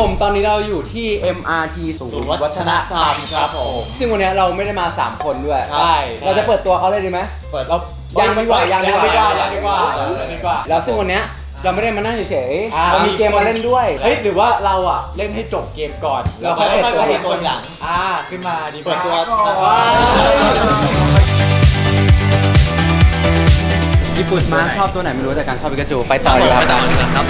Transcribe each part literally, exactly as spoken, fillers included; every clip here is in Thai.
ผมตอนนี้เราอยู่ที่ เอ็ม อาร์ ที ศูนย์วัฒนธรรมครับผมซึ่งวันนี้เราไม่ได้มาสามคนด้วยใช่เราจะเปิดตัวเขาเลยดีไหมเปิดเรายังดีกว่ายังดีกว่ายังดีกว่ายังดีกว่าแล้วซึ่งวันนี้เราไม่ได้มานั่งเฉยๆเรามีเกมมาเล่นด้วยเฮ้ยหรือว่าเราอ่ะเล่นให้จบเกมก่อนแล้วค่อยเปิดตัวคนหลังอ่าขึ้นมาดีเปิดตัวญี่ปุ่นมาชอบตัวไหนไม่รู้แต่การชอบปิกาจูไปต่อเลยครับไปต่อเลยครับ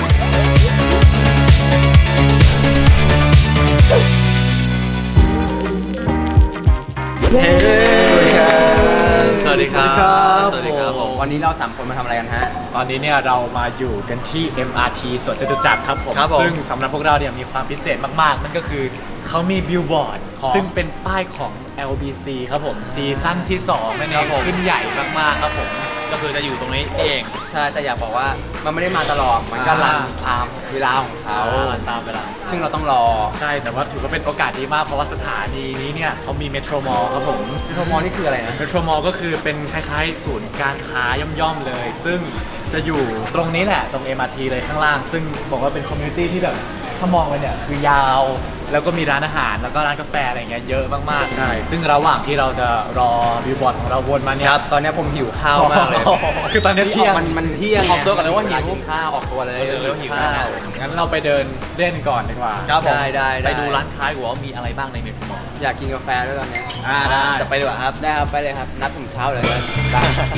สวัสดีครับสวัสดีครับผมวันนี้เราสามคนมาทำอะไรกันฮะตอนนี้เนี่ยเรามาอยู่กันที่ เอ็ม อาร์ ที สวนจตุจักรครับผมซึ่งสำหรับพวกเราเนี่ยมีความพิเศษมากๆนั่นก็คือเขามีบิลบอร์ดซึ่งเป็นป้ายของ แอล บี ซี ครับผมซีซั่นที่สองนั่นเองขึ้นใหญ่มากๆครับผมก็คือจะอยู่ตรงนี้เองใช่แต่อยากบอกว่ามันไม่ได้มาตลอดมันก็รันตามเวลาของเขาตามเวลาซึ่งเราต้องรอใช่แต่ว่าถือว่าเป็นโอกาสดีมากเพราะว่าสถานีนี้เนี่ยเขามีเมโทรมอลครับผมเมโทรมอลนี่คืออะไรนะเมโทรมอลก็คือเป็นคล้ายๆศูนย์การค้าย่อมๆเลยซึ่งจะอยู่ตรงนี้แหละตรง เอ็ม อาร์ ที เลยข้างล่างซึ่งบอกว่าเป็นคอมมูนิตี้ที่แบบถ้ามองไปเนี่ยคือยาวแล้วก็มีร้านอาหารแล้วก็ร้านกาแฟอะไรเงี้ยเยอะมากๆใช่ซึ่งระหว่างที่เราจะรอบิลบอร์ดของเราวนมาเนี่ยตอนนี้ผมหิวข้าวมากเลยคือตอนนี้เที่ยงมันมันเที่ยงออกตัวกันแล้วว่าหิวข้าวออกตัวเลยเร็วหิวข้าวงั้นเราไปเดินเล่นก่อนดีกว่าได้ได้ไปดูร้านค้าดีกว่าว่ามีอะไรบ้างในเมนูอยากกินกาแฟด้วยตอนนี้อ่าได้จะไปดีกว่าครับได้ครับไปเลยครับนัดผมเช้าเลยได้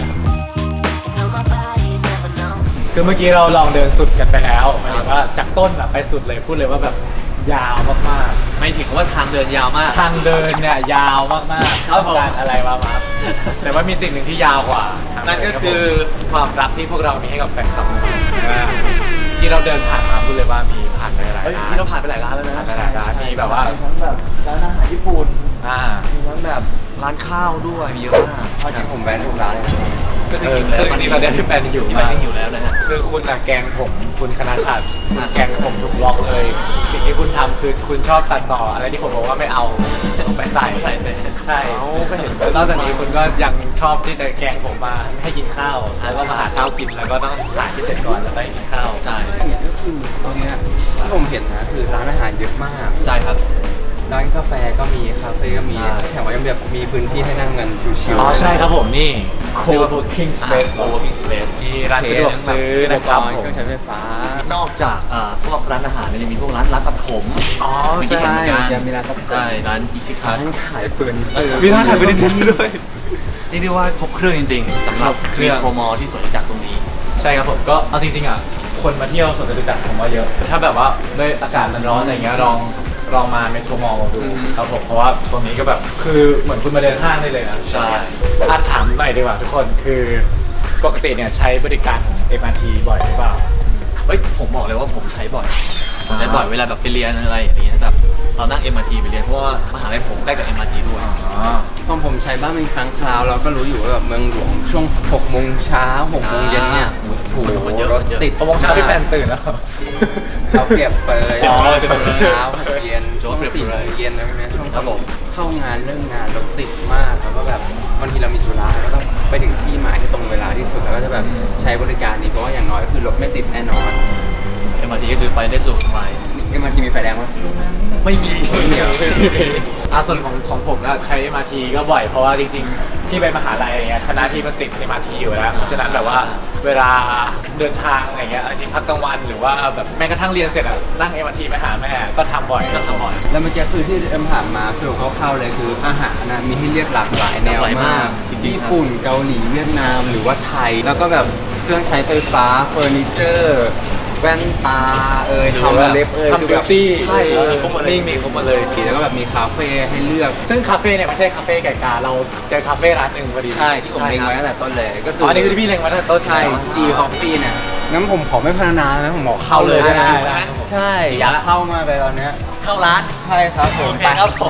คือเมื่อกี้เราลองเดินสุดกันไปแล้วหมายถึงว่าจากต้นอะไปสุดเลยพูดเลยว่าแบบยาวมากๆไม่ถึงว่าทางเดินยาวมากทางเดินเนี่ยยาวมากๆต้องการอะไรมามาแต่ว่ามีสิ่งหนึ่งที่ยาวกว่านั่นก็คือความรักที่พวกเรามีให้กับแฟนคลับที่เราเดินผ่านมาพูดเลยว่ามีผ่านไปหลายร้านที่เราผ่านไปหลายร้านแล้วนะหลายร้านมีแบบว่าทั้งแบบร้านอาหารญี่ปุ่นอ่ามีทั้งแบบร้านข้าวด้วยมีเยอะมากเพราะจริงผมแวะทุกร้านเลยก็คือคือจริงๆเราได้ที่แฟนอยู่ที่แฟนอยู่แล้วนะฮะคือคุณอะแกงผมคุณคณะชาติแกงผมถูกล็อกเลยสิ่งที่คุณทำคือคุณชอบตัดต่ออะไรที่ผมบอกว่าไม่เอาไปใส่ใส่ไปใช่ก็เห็นนอกจากนี้คุณก็ยังชอบที่จะแกงผมมาให้กินข้าวแล้วก็มาหาข้าวกินแล้วก็ต้องหาที่เสร็จก่อนแล้วไปกินข้าวใช่ก็คือตอนนี้ที่ผมเห็นนะคือร้านอาหารเยอะมากใช่ครับร้านกาแฟก็มีคาเฟ่ก็มีแถมว่ายังแบบมีพื้นที่ให้นั่งกันชิวๆอ๋อใช่ครับผมนี่ co-working space co-working space ที่ร้านสะดวกซื้อนะครับเครื่องใช้ไฟฟ้านอกจากพวกร้านอาหารเนี่ยยังมีพวกร้านร้านตัดผมอ๋อใช่ยังมีร้านตัดผมใช่ร้านอิชิคัสขายเฟอร์นิเจอร์มีร้านขายเฟอร์นิเจอร์ด้วยนี่เรียกว่าครบเครื่องจริงๆสำหรับเครื่องโปรโมที่สวนจตุจักรตรงนี้ใช่ครับผมก็เอาจริงๆอ่ะคนมาเที่ยวสวนจตุจักรผมว่าเยอะถ้าแบบว่าด้วยอากาศมันร้อนอะไรเงี้ยลองลองมาเมโทรมอลดูครับผมเพราะว่าตรงนี้ก็แบบคือเหมือนคุณมาเดินห้างได้เลยนะใช่อาถามหน่อยดีกว่าทุกคนคือปกติเนี่ยใช้บริการของ เอ็ม อาร์ ที บ่อยหรือเปล่าเฮ้ยผมบอกเลยว่าผมใช้บ่อยใช้บ่อยเวลาแบบไปเรียนอะไรอย่างเงี้ยแบบเรานั่ง เอ็ม อาร์ ที ไปเรียนเพราะว่ามหาลัยผมใกล้กับ เอ็ม อาร์ ที ด้วยอ๋อตอนผมใช้บ้างเป็นครั้งคราวเราก็รู้อยู่ว่าแบบเมืองหลวงช่วงหกโมงเช้าหกโมงเย็นเนี่ยถูกรถติดหกโมงเช้าที่แฟนตื่นแล้วเขาเปรียบเปยเช้าเย็นช่วงสี่โมงเย็นอะไรเงี้ยช่วงเข้างานเรื่องงานรถติดมากแล้วก็แบบบางทีเรามีธุระแล้วก็ไปถึงที่หมายที่ตรงเวลาที่สุดแล้วก็จะแบบใช้บริการนี้เพราะว่าอย่างน้อยก็คือรถไม่ติดแน่นอนเอ็ม อาร์ ที ก็คือไปได้สะดวกสบายเอ็ม อาร์ ที มีไฟแดงไหมไม่มีไม่มีอ่ะส่วนของของผมก็ใช้ เอ็ม อาร์ ที ก็บ่อยเพราะว่าจริงๆที่ไปมหาลัยอะไรเงี้ยคณะที่มันติด เอ็ม อาร์ ที อยู่แล้วเพราะฉะนั้นแบบว่าเวลาเดินทางอะไรเงี้ยจริงพักกลางวันหรือว่าแบบแม้กระทั่งเรียนเสร็จอะนั่ง เอ็ม อาร์ ที ไปหาแม่ก็ทำบ่อยก็ทำบ่อยแล้วเมื่อกี้คือที่เอ็มผ่านมาสรุปคร่าวๆเลยคืออาหารนะมีให้เลือกหลากหลายแนวมากญี่ปุ่นเกาหลีเวียดนามหรือว่าไทยแล้วก็แบบเครื่องใช้ไฟฟ้าเฟอร์นิเจอร์แว่นตาเอ่ยทำเล็บเอ่ยทำบิวตี้ใช่นี่มีครบหมดเลยแล้วก็แบบมีคาเฟ่ให้เลือกซึ่งคาเฟ่เนี่ยไม่ใช่คาเฟ่ไก่กาเราเจอคาเฟ่ร้านหนึ่งพอดีใช่ที่ผมเล็งไว้ตั้งแต่ต้นเลยก็คืออันนี้คือที่พี่เล็งไว้ตั้งแต่ต้นใช่ G Coffee เนี่ยงั้นผมขอไม่พรรณนานะผมบอกเข้าเลยได้ใช่อยากเข้ามาไปตอนเนี้ยเข้าร้านใช่ครับผมไปครับผม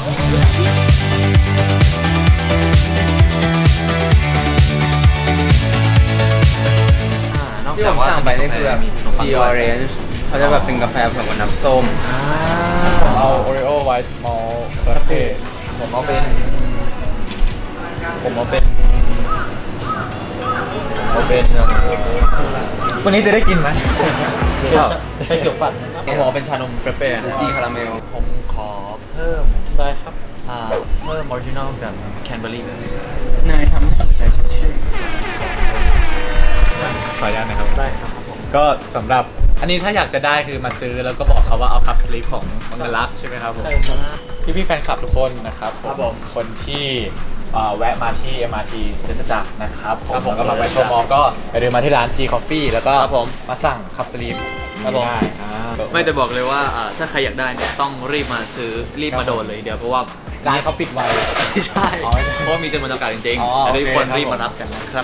ที่ผมสั่งไปนี่คือแบบ G Orange เขาจะแบบเป็นกาแฟผสมกับน้ำส้มผมเอา Oreo White Malt Latte ผมเอาเป็นผมเอาเป็นเอาเป็นวันนี้จะได้กินไหมใช่เขียวปั่นผมบอกเป็นชานมเฟรเป้นะจีคาราเมลผมขอเพิ่มได้ครับอ่าเพิ่มออริจินอลกับแคนเบอร์รี่นายทำแต่ชื่อขออนุญาตนะครับได้ครับก็สำหรับอันนี้ถ้าอยากจะได้คือมาซื้อแล้วก็บอกเขาว่าเอาคัพสลีปของมังกรลักษณ์ใช่ไหมครับผมใช่ครับพี่พี่ๆแฟนคลับทุกคนนะครับครับผมคนที่เอ่อแวะมาที่ เอ็ม อาร์ ที เซ็นทรัลจักรนะครับผมครับผมแล้วก็มาไปโชว์มอลก็อย่าลืมมาที่ร้าน G Coffee แล้วก็ครับผมมาสั่งคัพสลีปครับผมได้อ่าไม่แต่บอกเลยว่าอ่าถ้าใครอยากได้เนี่ยต้องรีบมาซื้อรีบมาโดนเลยเดี๋ยวเพราะว่าร้านเขาปิดไวไม่ใช่อ๋อเพราะว่ามีจำนวนจำกัดจริงอ๋อๆแต่ทุกคนโอเคครับรีบมารับกันนะครับ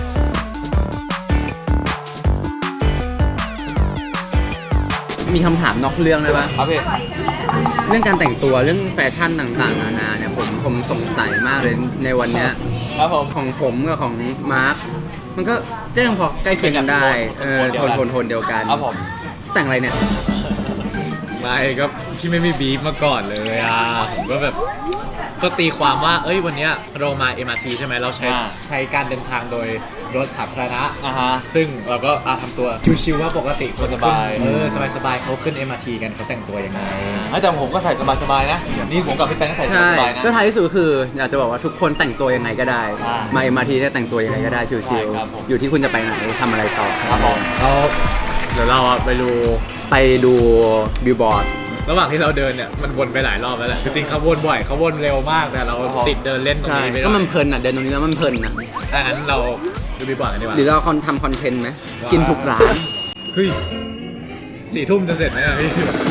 มีคำถามนอกเรื่องเลยปะครับพี่เรื่องการแต่งตัวเรื่องแฟชั่นต่างๆนานาเนี่ยผมผมสงสัยมากเลยในวันเนี้ยครับผมของผมกับของมาร์คมันก็ได้ยังพอใกล้เคียงกันได้เออโทนโทนโทนเดียวกันครับผมแต่งอะไรเนี่ยไม่ก็พี่ไม่มีบีฟมาก่อนเลยอ่ะผมก็แบบก็ตีความว่าเอ้ยวันเนี้ยเรามา เอ็ม อาร์ ที ใช่ไหมเราใช้อ่าใช้การเดินทางโดยรถสาธารณะอ่าฮะซึ่งเราก็อาทำตัวชิวๆว่าปกติคนสบายเออสบายๆเขาขึ้น เอ็ม อาร์ ที กันเขาแต่งตัวยังไงเฮ้ยแต่ผมก็ใส่สบายๆนะนี่ผมกับพี่แป้งก็ใส่ใช่สบายๆนะก็ท้ายที่สุดคืออยากจะบอกว่าทุกคนแต่งตัวยังไงก็ได้ใช่มาเอ็มอาร์ทีเนี่ยแต่งตัวยังไงก็ได้ชิใช่วครับผมๆอยู่ที่คุณจะไปไหนทำอะไรต่อครับผมแล้วเดี๋ยวเราอะไปดูไปดูบิลบอร์ดระหว่างที่เราเดินเนี่ยมันวนไปหลายรอบแล้วแหละจริงๆเขาวนบ่อยเขาวนเร็วมากแต่เราติดเดินเล่นตรงใช่นี้ไปก็มันเพลินอ่ะเดินตรงนี้แล้วมันเพลินนะดังนั้นเราดูบีบอร์ดกันดีกว่าหรือเราคอนทำคอนเทนต์ไหมกินทุกร้านเฮ้ยสี่ทุ่มจะเสร็จไหมอะพี่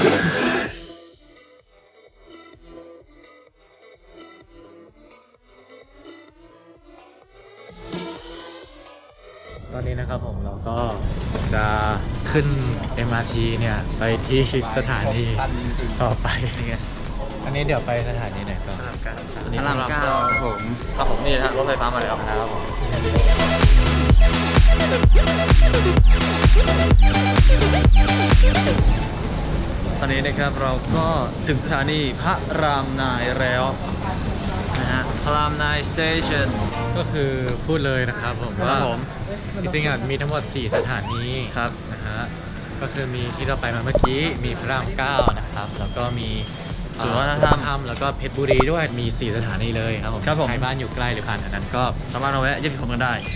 ตอนนี้นะครับผมเราก็จะขึ้น เอ็ม อาร์ ที เนี่ยไปที่สถานีต่อไปเนี่ยอันนี้เดี๋ยวไปสถานีไหนก่อนพระรามเก้าครับผมครับผมนี่นะฮะรถไฟฟ้ามาแล้วนะครับผมตอนนี้นะครับเราก็ถึงสถานีพระรามนายแล้วนะฮะพระรามนายสเตชันก็คือพูดเลยนะครับผมครับว่าผมจริงๆอ่ะมีทั้งหมดสี่สถานีครับนะฮะก็คือมีที่เราไปมาเมื่อกี้มีพระรามเก้านะครับแล้วก็มีศูนย์วัฒนธรรมแล้วก็เพชรบุรีด้วยมีสี่สถานีเลยครับผมครับผมใครบ้านอยู่ใกล้หรือผ่านแถวนั้นก็สามารถมาแวะเยี่ยมชมกันได้ใช่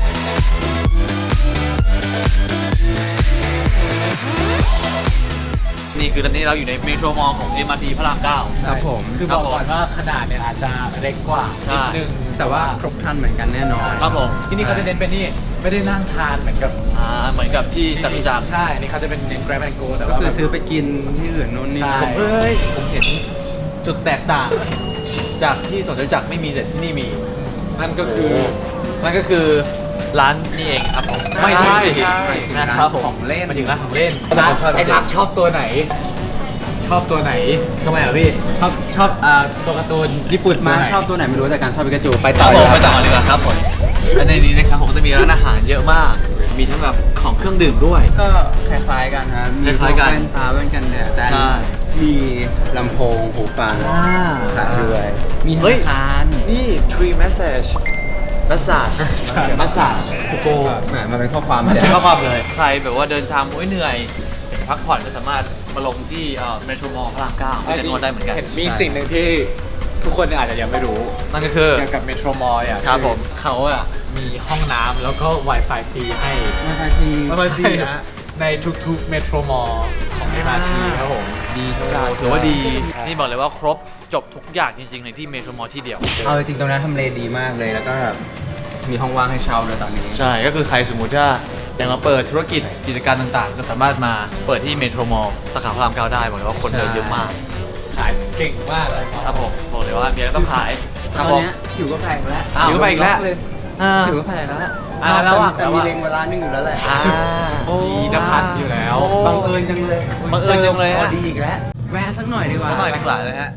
นี่คือตอนนี้เราอยู่ในเมโทรมอลล์ของ เอ็ม อาร์ ที พระรามเก้าครับผมคือบอกก่อนว่าขนาดเนี่ยอาจจะเล็กกว่าใช่นิดนึงแต่ว่าครบครันเหมือนกันแน่นอนครับผมที่นี่เขาจะเน้นเป็นนี่ไม่ได้นั่งทานเหมือนกับอ่าเหมือนกับที่จตุจักรใช่นี่เขาจะเป็นเน้น grab and go แต่ก็ว่าคือซื้อไปกินที่อื่นโน่นนี่ใช่นั่นเฮ้ยผมเห็นจุดแตกต่าง จากที่สวนจตุจักรไม่มีแต่ที่นี่มีนั่นก็คือนั่นก็คือร้านนี่เองครับผมไม่ใช่นะครับผมของเล่นมาถึงร้านของเล่นร้านไอ้รักชอบตัวไหน ชอบตัวไหนทำไมอ่ะพี่ชอบชอบอ่าตัวการ์ตูนญี่ปุ่นมาตัวไหนชอบตัวไหนไม่รู้แต่การชอบปิกาจูไปคต่รัอบผมเลยไปต่อเลยครับผมและในนี้นะครับผมก็จะมีร้านอาหารเยอะมาก มีทั้งแบบของเครื่องดื่มด้วยก็คล้ายๆกันครับมีคล้ายๆกันแว่นตาแว่นกันแดดแต่อันใช่มีลำโพงหูฟังขายด้วยมีธเฮ้ยนาคารนี่ tree massage massage massage to go แหมมันเป็นข้อความไม่เดี๋ยใช่วข้อความเลย ใครแบบว่าเดินทางโอ้ยเหนื่อยอยากจะพักผ่อนก็สามารถมาลงที่เมโทรมอลล์พระรามเก้าที่จะนวดได้เหมือนกันมีสิ่งหนึ่งที่ทุกคนอาจจะยังไม่รู้นั่นก็คือเกี่ยวกับเมโทรมอลล์อ่ะครับผมเขาอ่ะมีห้องน้ำแล้วก็ Wi-Fi ฟรีให้มาไปที Wi-Fi ฟรีนะในทุกๆเมโทรมอลล์ของ เอ็ม อาร์ ที ครับผมดีทุกโอ้ร้านถือว่าดี นี่บอกเลยว่าครบจบทุกอย่างจริงๆในที่เมโทรมอลล์ที่เดียวเอาจริงๆตรงนั้นทำเลดีมากเลยแล้วก็แบบมีห้องว่างให้เช่าด้วยตอนนี้ใช่ ก็คือใครสมมุติถ้าอยากมาเปิดธุรกิจกิจการต่างๆ ก็สามารถมาเปิดที่เมโทรมอลล์สาขาพระรามเก้าได้บอกเลยว่าคนเดินเยอะมากขายเก่งมากเลยครับผมบอกเลยว่ามีอะไรต้องขายตคอรันบผมเนี้ยหิวก็แพงแล้วหิวก็แพงอีกแล้วเลยอ่าหิวก็แพงแล้วอ่าระหว่างแต่มีเล็งเวลาหนึ่งอยู่แล้วแหละอ่าจีนพัฒน์อยู่แล้วบังเอิญจังเลยบังเอิญจังเลยพอฮะดีอีกแล้วแวะสักหน่อยดีกว่าก็หน่อยดีกว่าเลยฮะ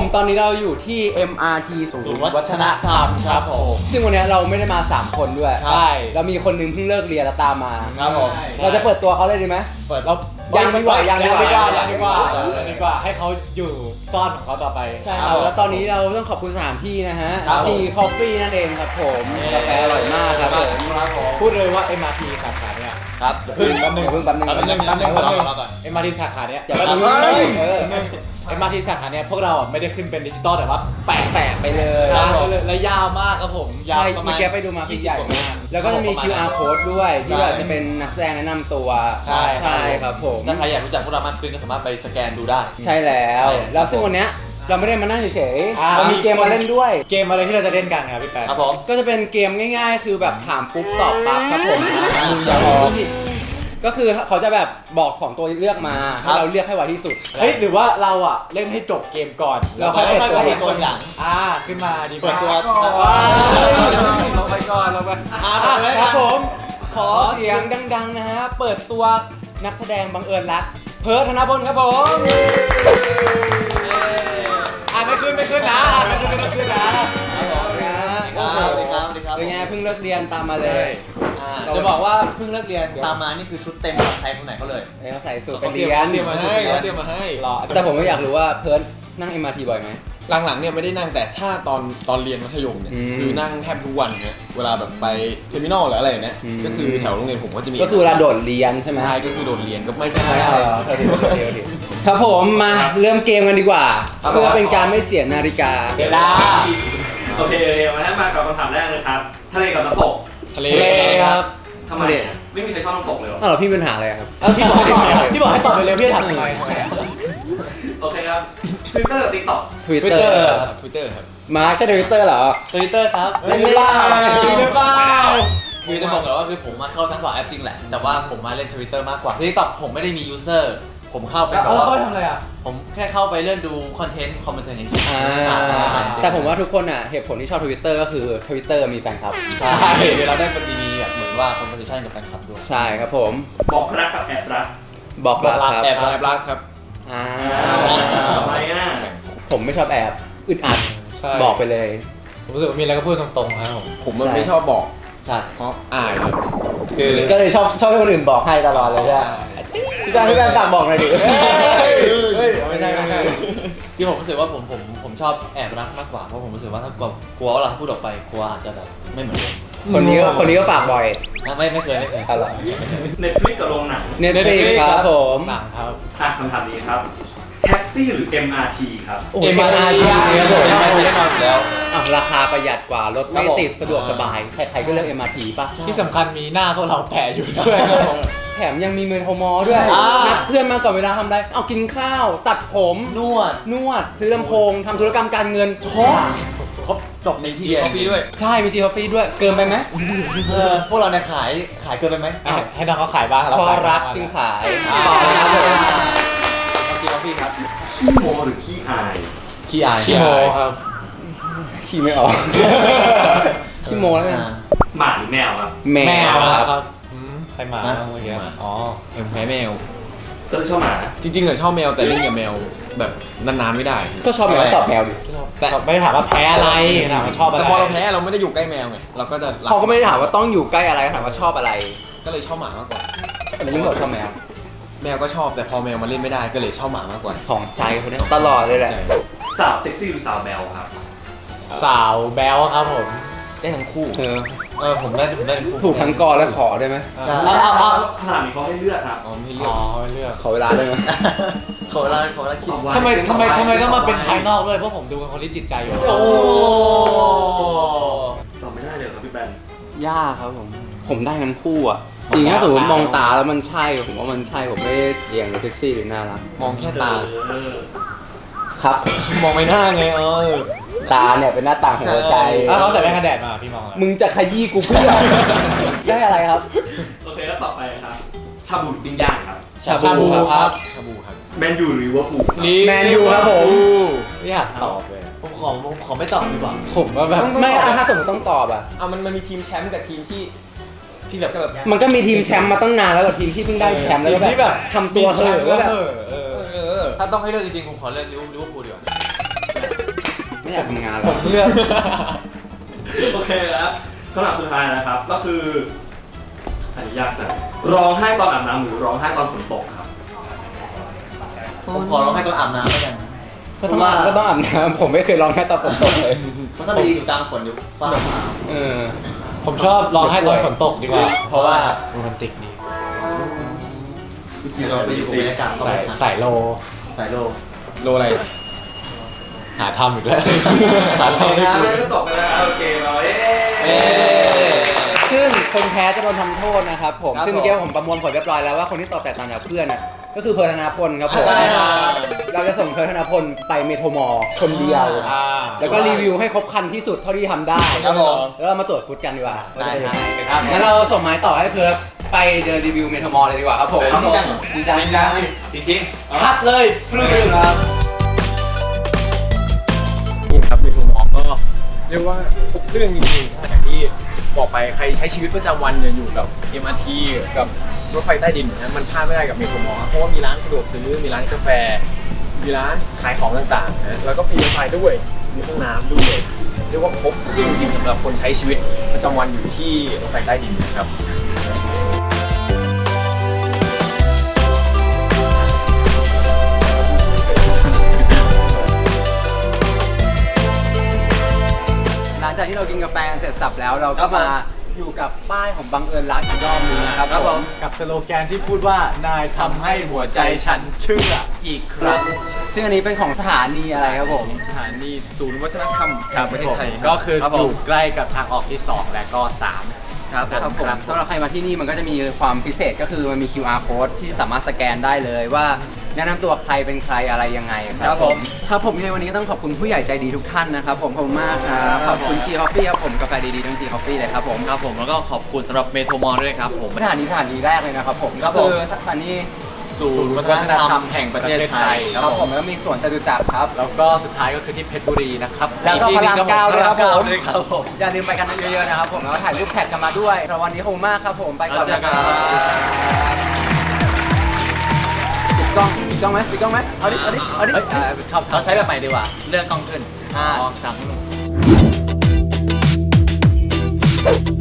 ตอนนี้เราอยู่ที่ เอ็ม อาร์ ที ศูนย์วัฒนธรรมครับผมซึ่งวันนี้เราไม่ได้มาสามคนด้วยใช่เรามีคนนึงเพิ่งเลิกเรียนแล้วตามมาครับผมเราจะเปิดตัวเขาเลยดีไหมเปิดเรายังดีกว่ายังดีกว่ายังดีกว่ายังดีกว่าให้เขาอยู่ซ่อนของเขาต่อไปใช่ครับแล้วตอนนี้เราต้องขอบคุณสถานที่นะฮะครับผม G Coffee นั่นเองครับผมกาแฟอร่อยมากครับผมพูดเลยว่า เอ็ม อาร์ ที สาขาเนี่ยครับเพิ่งแป๊บนึงเพิ่งแป๊บนึงแป๊บนึงแป๊บนึงแป๊บนึงรอก่อนเอ็ม อาร์ ที สาขาเนี่ยอย่าแป๊บนึงเออเอ็ม อาร์ ที สาขาเนี่ยพวกเราอ่ะไม่ได้ขึ้นเป็นดิจิตอลแต่ว่าแปะแปะไปเลยใช่เลยและยาวมากครับผมยาวใช่ประมาเมื่อณกี้ไปดูมาคือใหญ่มากแล้วก็จะมี คิว อาร์ code ด้วยที่แบบจะเป็นนักแสดงแนะนำตัวใช่ใช่ครับผมถ้าใครอยากรู้จักพวกเรามากขึ้นก็สามารถไปสแกนดูได้ใช่แล้วใช่แล้วซึ่งวันเนี้ยเราไม่ได้มานั่งเฉยอ่าๆเรามีเกมมาเล่นด้วยเกมอะไรที่เราจะเล่นกันครับพี่แปะครับผมก็จะเป็นเกมง่ายๆ คือแบบถามปุ๊บตอบปั๊บครับผมมึงอย่าออกก็คือเขาจะแบบบอกของตัวเลือกมาให้เราเลือกให้ไวที่สุดเฮ้ยหรือว่าเราอ่ะเล่นให้จบเกมก่อนแล้วค่อยเปิดตัวเปิดตัวทีหลังอ่าขึ้นมาดีเปิดตัวว้าเราไปก่อนเราไปอ่ะครับผมขอเสียงดังๆนะฮะเปิดตัวนักแสดงบังเอิญรักเพิร์ทธนพลครับผมอ่าไม่ขึ้นไม่ขึ้นนะอ่าไม่ขึ้นไม่ขึ้นนะสวัสดีครับสวัสดีครับเป็นไงเพิ่งเลิกเรียนตามมาเลยอ่าจะบอกว่าเพิ่งเลิกเรียนตามมานี่คือชุดเต็มของใครคนไหนเขาเลยเอ้ยเขาใส่สูทไปเรียนเตรียมมาให้เขาเตรียมมาให้รอแต่ผมก็อยากรู้ว่าเพิร์ทนั่ง เอ็ม อาร์ ที บ่อยไหมหลังๆเนี่ยไม่ได้นั่งแต่ถ้าตอนตอนเรียนมัธยมเนี่ยอืมคือนั่งแทบทุกวันเนี่ยเวลาแบบไปเทอร์มินอลหรืออะไรเนี่ยอืมก็คือแถวโรงเรียนผมก็จะมีก็คือเวลาโดดเรียนใช่ไหมใช่ก็คือโดดเรียนก็ไม่ใช่ใช่ครับครับผมมาเริ่มเกมกันดีกว่า เพื่อเป็นการไม่เสียนาฬิกาเวลาโอเคโอเคมาให้มากับคำถามแรกเลยครับ ทะเลกับน้ำตกทะเลทะเลครับทำไมอะไม่มีใครชอบน้ำตกเลยเหรออ้าวเหรอพี่มีปัญหาอะไรครับเอ้าพี่บอกให้พี่บอกให้ตอบไปเร็วพี่ถามทำไมโอเคครับทวิตเตอร์กับติ๊กต็อกทวิตเตอร์ทวิตเตอร์ครับมาใช่ทวิตเตอร์เหรอทวิตเตอร์ครับเล่นหรือเปล่าเล่นหรือเปล่าคือจะบอกก่อนว่าคือผมมาเข้าทั้งสองแอปจริงแหละ แต่ว่าผมมาเล่น Twitter มากกว่าที่ตอบผมไม่ได้มียูเซอร์ ผมเข้าไปแล้วแบบเขาว่าทำอะไรอ่ะผมแค่เข้าไปเลื่อนดูคอนเทนต์คอมเมนต์เฉยอ่าแต่ผมว่าทุกคนอ่ะเหตุผลที่ชอบทวิตเตอร์ก็คือทวิตเตอร์มีแฟนคลับใช่เดี๋ยวเราได้เป็นดีๆแบบเหมือนว่าคอมเพลชันกับแฟนคลับด้วยใช่ครับผมบอกรักกับแอบรักบอกรักครับแอบแอบรักครับอ่าทำไมอ่ะผมไม่ชอบแอบอึดอัดใช่บอกไปเลยผมรู้สึกว่ามีอะไรก็พูดตรงๆครับผมผมมันใช่ไม่ชอบบอกใช่เพราะอายครับคือก็เลยชอบชอบให้คนอื่นบอกให้ตลอดเลยใช่ไหมพี่การพี่การฝากบอกหน่อยดิเฮ้ยไม่ใช่ไม่ใช่ที่ผมรู้สึกว่าผมผมผมชอบแอบรักมากกว่าเพราะผมรู้สึกว่าถ้ากลัวกลัวว่าเราพูดออกไปกลัวอาจจะแบบไม่เหมือนเดิมคนนี้ก็คนนี้ก็ฝากบ่อยนะไม่ไม่เคยไม่เคยอะไรเน็ตฟลิกกับโรงหนังเน็ตฟลิกครับผมหนังครับอ่ะคำถามนี้ครับแท็กซี่หรือ เอ็ม อาร์ ที ครับเอ็มอาร์ทีครับผมไม่ไม่ได้นอนแล้วอ่ะราคาประหยัดกว่ารถไม่ครับผมติดสะดวกสบาย ใครๆก็เลือก เอ็ม อาร์ ที ป่ะที่สำคัญมีหน้าพวกเราแปะอยู่ด้วยครับผมแถมยังมีเมนโทมอด้วยอ่านันัดเพื่อนมาก่อนเวลาทำได้ เอากินข้าว ตัดผมนวดนวด ซื้อลำโพงทำธุรกรรมการเงินครบครบจบในที่จีเดียวคอฟฟี่ด้วยใช่ มีจีคอฟฟี่ด้วย เกินไปไหมเออพวกเราเนี่ยขายขายเกินไปไหมให้ให้น้องเขาขายบ้างพอขายรักบ้างจึงขายอ่าต่อเลยครับผมเอาจีคอฟฟี่ครับขี้โมหรือขี้อายขี้อายขี้โมครับขี้ไม่ออก ขี้โมแล้วกันอ่าหมาหรือแมวครับแมแมววครับครับอืมใครมาเมื่อกี้อ๋อเอ็มแพ้แมวก็เลยชอบหมาจริงๆอะชอบแมวแต่เล่นกับแมวแบบนานๆไม่ได้ก็ชอบแมวตอบแมวดิแต่ไม่ได้ถามว่าแพ้อะไรถามว่าชอบอะไรแต่พอเราแพ้เราไม่ได้อยู่ใกล้แมวไงเราก็จะรัเขาก็ไม่ได้ถามว่าต้องอยู่ใกล้อะไรถามว่าชอบอะไรก็เลยชอบหมามากกว่าแต่ยิ่งบอกชอบแมวแมวก็ชอบแต่พอแมวมาเล่นไม่ได้ก็เลยชอบหมามากกว่าสองใจคนนี้ตลอดเลยแหละสาวเซ็กซี่หรือสาวแมวครับสาวแบลครับผมได้ทั้งคู่เธอเออผมได้ผมได้ทั้งคู่ถูกทั้งกอและขอได้ไหมใช่เอาเอาเอาขนาดนี้เขาให้เลือกครับอ๋อไม่เลือ๋ออก ไม่เลือกขอเวลาได้ไหมขอเวลาขอเวลาคิดทำไมทำไมทำไมต้องมาเป็นภายนอกด้วยเพราะผมดูเป็นคนที่จิตใจอยู่โอ้ตอบไม่ได้เลยครับพี่แบนยากครับผม ผมได้ทั้งคู่อ่ะ จริงถ้าสมมติมองตาแล้วมันใช่ ผมว่ามันใช่ ผมไม่ได้เอียงเซ็กซี่หรือน่ารักมองแค่ตาเออครับมองไม่หน้าไงเออตาเนี่ยเป็นหน้าต่างของหัวใจใช่ถ้าเขาใส่แว่นกันแดดมาพี่มองอะไรมึงจะขยี้กูเพื่อ ได้อะไรครับโอเคแล้วต่อไปครับ ชาบูหรือปิ้งย่างครับชาบูครับชาบูครับแมนยูหรือลิเวอร์พูลครับแมนยูครับผมไม่อยากตอบเลยผมขอผมขอไม่ตอบดีกว่าผมว่าแบบไม่อ่ะถ้าสมมติต้องตอบอ่ะอ่ะมันมันมีทีมแชมป์กับทีมที่ที่แบบแบบมันก็มีทีมแชมป์มาตั้งนานแล้วกับทีมที่เพิ่งได้แชมป์แล้วก็ที่แบบทำตัวเห่อะแล้วแบบเออเออถ้าต้องให้เลือกจริงๆผมขอเลือกลิเวอร์พูลดีกว่าไม่อยากทำงานหรผอกมเลือกโอเคครับคำถามสุดท้ายนะครับ ก็คืออันนี้ยากจังร้องไห้ตอนอาบน้ำหรือร้องไห้ตอนฝนตกครับผมขอร้องให้ตอนอาบน้ำแล้วกันก็ต้องอาบก็ต้องอาบน้ำผมไม่เคยร้องแค่ตอนฝนตกเลยเพราะถ้าไปยืนอยู่กลางฝนอยู่ฟ้าผ่าเออผมชอบร้องไห้ตอนฝนตกดีกว่าเพราะว่าโรแมนติกดีเราไปอยู่กับบรรยากาศใส่ใส่โลสายโลโลอะไร หาทำอีกแล้ว หาโอเคทำไม่นะถูกเรื่องก็จบไปแล้วโอเคเราเอ๊เอ๊ะซึ่งคนแพ้จะโดนทำโทษนะครับผมครับซึ่งเมื่อกี้ผมประมวลผลเรียบร้อยแล้วว่าคนที่ตอบแตกต่างจากเพื่อนน่ะก็คือเพิร์ธนาพลครับผมใช่ครับเราจะส่งเพิร์ธนาพลไปเมโทรมอลคนเดียวอ่าแล้วก็รีวิวให้ครบคันที่สุดเท่าที่ทำได้ครับผมแล้วเรามาตรวจฟุตกันดีกว่าได้ครับครับงั้นเราส่งไม้ต่อให้เพิร์ธไปเดินรีวิวเมโทรมอลเลยดีกว่าครับผมครับผมจริงจังจริงจังจริงคัดเลยฟลุ๊กครับนี่ครับมีทุกหมอก็เรียกว่าทุกเรื่องจริงๆอย่างที่บอกไปใครใช้ชีวิตประจำวันเนี่ยอยู่กับ เอ็ม อาร์ ที กับรถไฟใต้ดินนะมันพลาดไม่ได้กับเมโทรมอลเพราะว่ามีร้านสะดวกซื้อมีร้านกาแฟ มีร้านขายของต่างๆนะแล้วก็ฟรีไฟด้วยมีห้องน้ำด้วยเรียกว่าครบเครื่องจริงๆสำหรับคนใช้ชีวิตประจำวันอยู่ที่รถไฟใต้ดินนะครับหลังจากที่เรากินกาแฟเสร็จสับแล้วเราก็มาอยู่กับป้ายของบังเอิญรักอีกรอบนึงนะครับครับผมกับสโลแกนที่พูดว่านายทำให้หัวใจฉันเชื่ออีกครั้งซึ่งอันนี้เป็นของสถานีอะไรครับผมสถานีศูนย์วัฒนธรรมแห่งประเทศไทยก็คือครับอผมยู่ใกล้กับทางออกที่ สอง และก็ สามครับครับผมสำหรับใครมาที่นี่มันก็จะมีความพิเศษก็คือมันมี คิว อาร์ code ที่สามารถสแกนได้เลยว่าแนะนำตัวใครเป็นใครอะไรยังไงคครัรับบผมครับผมในวันนี้ก็ต้องขอบคุณผู้ใหญ่ใจดีทุกท่านนะครับผมขอบคุณมากครับขอบคุณ G Coffee ครับผมกาแฟดีๆทั้ง G Coffee เลยครับผมครับผมแล้วก็ขอบคุณสำหรับเมโทรมอลด้วยครับผมสถานีสถานีแรกเลยนะครับผมครัก็บผมคือสถานีศูนย์วัฒนธรรมแห่งประเทศไทยครับผมแล้วมีสวนจตุจักรครับแล้วก็สุดท้ายก็คือที่เพชรบุรีนะครับแล้วก็พระรามเก้าด้วยครับผมด้วยครับผมอย่าลืมไปกันเยอะๆนะครับผมแล้วก็ถ่ายรูปแท็กกันมาด้วยสำหรับวันนี้ขอบคุณมากครับผมไปก่อนนะครับปิดกล้องปิดกล้องไหมปิดกล้องไหมเอาดิเอาดิเอาดิเฮ้ยอ่าชอบชอเราบใช้แบบใหม่ดีกว่าเลื่อนกล้องขึ้นห้าสาม